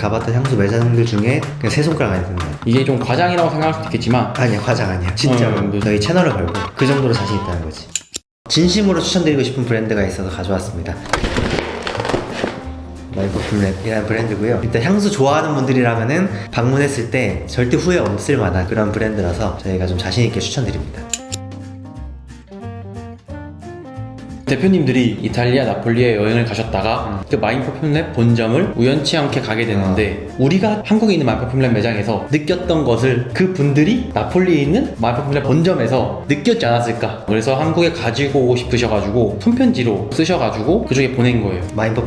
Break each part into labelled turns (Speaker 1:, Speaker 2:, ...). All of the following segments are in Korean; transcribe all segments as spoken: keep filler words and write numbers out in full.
Speaker 1: 가봤던 향수 매장들 중에 그냥 세 손가락 안에 든다.
Speaker 2: 이게 좀 과장이라고 생각할 수도 있겠지만
Speaker 1: 아니야, 과장 아니야. 진짜로.
Speaker 2: 음,
Speaker 1: 저희 채널을 걸고 그 정도로 자신 있다는 거지. 진심으로 추천드리고 싶은 브랜드가 있어서 가져왔습니다. 마이퍼퓸랩이라는 브랜드고요. 일단 향수 좋아하는 분들이라면은 방문했을 때 절대 후회 없을 만한 그런 브랜드라서 저희가 좀 자신 있게 추천드립니다.
Speaker 2: 대표님들이 이탈리아 나폴리에 여행을 가셨다가 그 마인퍼퓸랩 본점을 우연치 않게 가게 됐는데 우리가 한국에 있는 마인퍼퓸랩 매장에서 느꼈던 것을 그 분들이 나폴리에 있는 마인퍼퓸랩 본점에서 느꼈지 않았을까. 그래서 한국에 가지고 오고 싶으셔가지고 손편지로 쓰셔가지고 그쪽에 보낸 거예요.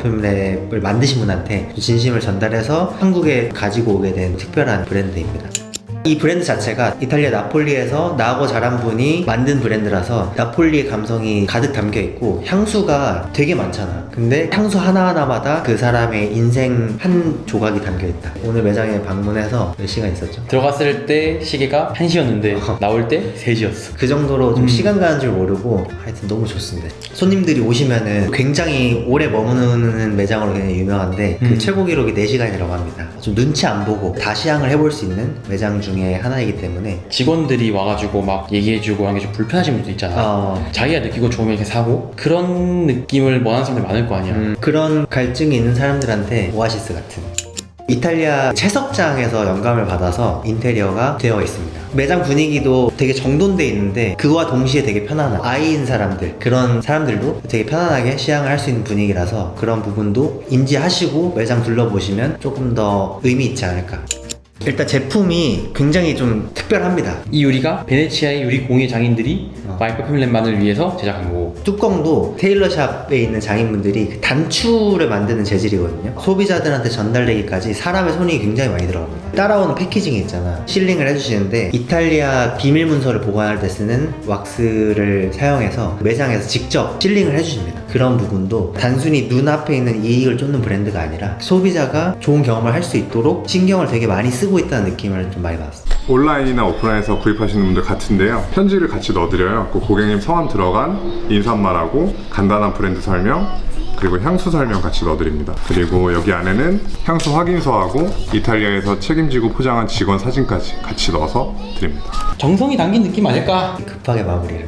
Speaker 1: 마인퍼퓸랩을 만드신 분한테 진심을 전달해서 한국에 가지고 오게 된 특별한 브랜드입니다. 이 브랜드 자체가 이탈리아 나폴리에서 나고 자란 분이 만든 브랜드라서 나폴리의 감성이 가득 담겨 있고 향수가 되게 많잖아. 근데 향수 하나하나마다 그 사람의 인생 한 조각이 담겨 있다. 오늘 매장에 방문해서 몇 시간 있었죠?
Speaker 2: 들어갔을 때 시계가 한 시였는데 나올 때 세 시였어.
Speaker 1: 그 정도로 좀
Speaker 2: 음.
Speaker 1: 시간 가는 줄 모르고 하여튼 너무 좋습니다. 손님들이 오시면은 굉장히 오래 머무는 매장으로 굉장히 유명한데
Speaker 2: 음.
Speaker 1: 그 최고 기록이 네 시간이라고 합니다. 좀 눈치 안 보고 다 시향을 해볼 수 있는 매장 중에 하나이기 때문에
Speaker 2: 직원들이 와가지고 막 얘기해주고 하는 게 좀 불편하신 분도 있잖아.
Speaker 1: 어,
Speaker 2: 자기가 느끼고 좋으면 이렇게 사고 그런 느낌을 원하는 사람들 많을 거 아니야.
Speaker 1: 음, 그런 갈증이 있는 사람들한테 오아시스 같은 이탈리아 채석장에서 영감을 받아서 인테리어가 되어 있습니다. 매장 분위기도 되게 정돈돼 있는데 그와 동시에 되게 편안한 아이인 사람들, 그런 사람들도 되게 편안하게 시향을 할 수 있는 분위기라서 그런 부분도 인지하시고 매장 둘러보시면 조금 더 의미 있지 않을까. 일단 제품이 굉장히 좀 특별합니다.
Speaker 2: 이 유리가 베네치아의 유리 공예 장인들이
Speaker 1: 어.
Speaker 2: 마이퍼퓸랩만을 위해서 제작한 거고
Speaker 1: 뚜껑도 테일러샵에 있는 장인분들이 그 단추를 만드는 재질이거든요. 소비자들한테 전달되기까지 사람의 손이 굉장히 많이 들어갑니다. 따라오는 패키징이 있잖아. 실링을 해주시는데 이탈리아 비밀 문서를 보관할 때 쓰는 왁스를 사용해서 매장에서 직접 실링을 해주십니다. 그런 부분도 단순히 눈앞에 있는 이익을 쫓는 브랜드가 아니라 소비자가 좋은 경험을 할 수 있도록 신경을 되게 많이 쓰고 있다는 느낌을 좀 많이 받았어요.
Speaker 3: 온라인이나 오프라인에서 구입하시는 분들 같은데요, 편지를 같이 넣어드려요. 그 고객님 성함 들어간 인사말하고 간단한 브랜드 설명 그리고 향수 설명 같이 넣어드립니다. 그리고 여기 안에는 향수 확인서하고 이탈리아에서 책임지고 포장한 직원 사진까지 같이 넣어서 드립니다.
Speaker 2: 정성이 담긴 느낌 아닐까?
Speaker 1: 급하게 마무리를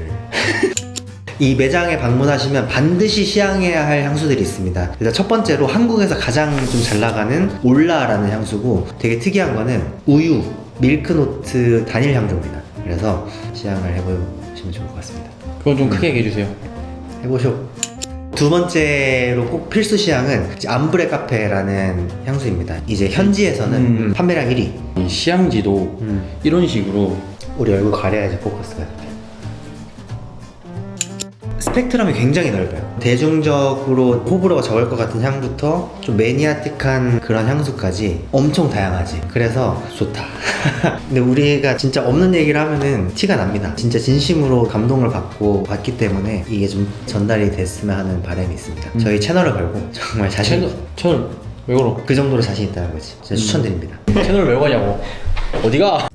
Speaker 1: 이 매장에 방문하시면 반드시 시향해야 할 향수들이 있습니다. 일단 첫 번째로 한국에서 가장 좀 잘 나가는 올라라는 향수고 되게 특이한 거는 우유, 밀크노트 단일 향조입니다. 그래서 시향을 해보시면 좋을 것 같습니다.
Speaker 2: 그건 좀 크게 얘기해 주세요.
Speaker 1: 해보쇼. 두 번째로 꼭 필수 시향은 이제 암브레 카페라는 향수입니다. 이제 현지에서는
Speaker 2: 음.
Speaker 1: 판매량 일 위.
Speaker 2: 이 시향지도
Speaker 1: 음.
Speaker 2: 이런 식으로
Speaker 1: 우리 얼굴 가려야지 포커스가. 스펙트럼이 굉장히 넓어요. 대중적으로 호불호가 적을 것 같은 향부터 좀 매니아틱한 그런 향수까지 엄청 다양하지. 그래서 좋다. 근데 우리가 진짜 없는 얘기를 하면은 티가 납니다. 진짜 진심으로 감동을 받고 왔기 때문에 이게 좀 전달이 됐으면 하는 바람이 있습니다.
Speaker 2: 음.
Speaker 1: 저희 채널을 걸고 정말 자신
Speaker 2: 채널, 채널 왜 걸어?
Speaker 1: 그 정도로 자신 있다는 거지. 진짜
Speaker 2: 음.
Speaker 1: 추천드립니다.
Speaker 2: 채널을 왜 거냐고. 어디가?